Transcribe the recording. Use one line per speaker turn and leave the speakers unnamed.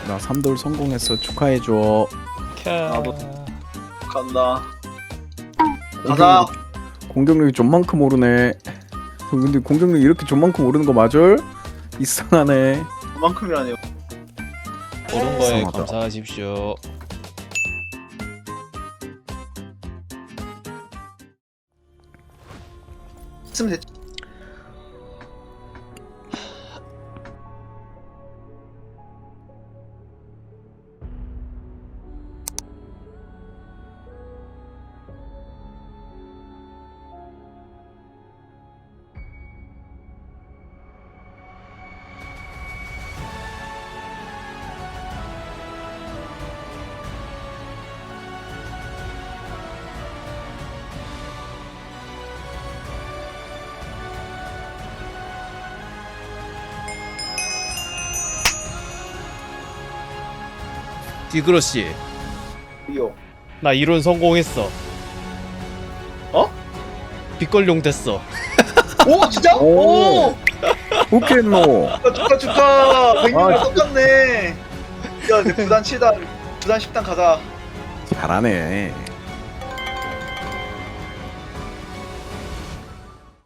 나 3돌 성공했어. 축하해줘.
나도 간다. 가자.
가자. 공격력이 좀만큼 오르네. 근데 공격력이 이렇게 좀만큼 오르는 거 맞을? 이상하네.
그만큼이라네요.
오른 거에
이상하다.
감사하십시오.
했으면 됐지.
디그러씨,
이요.
나 이론 성공했어.
어?
빗걸용 됐어.
오 진짜?
오.
오.
웃겠노.
축하. 100명
아.
똑같네. 야 이제 부산 7단, 부산 10단 가자.
잘하네.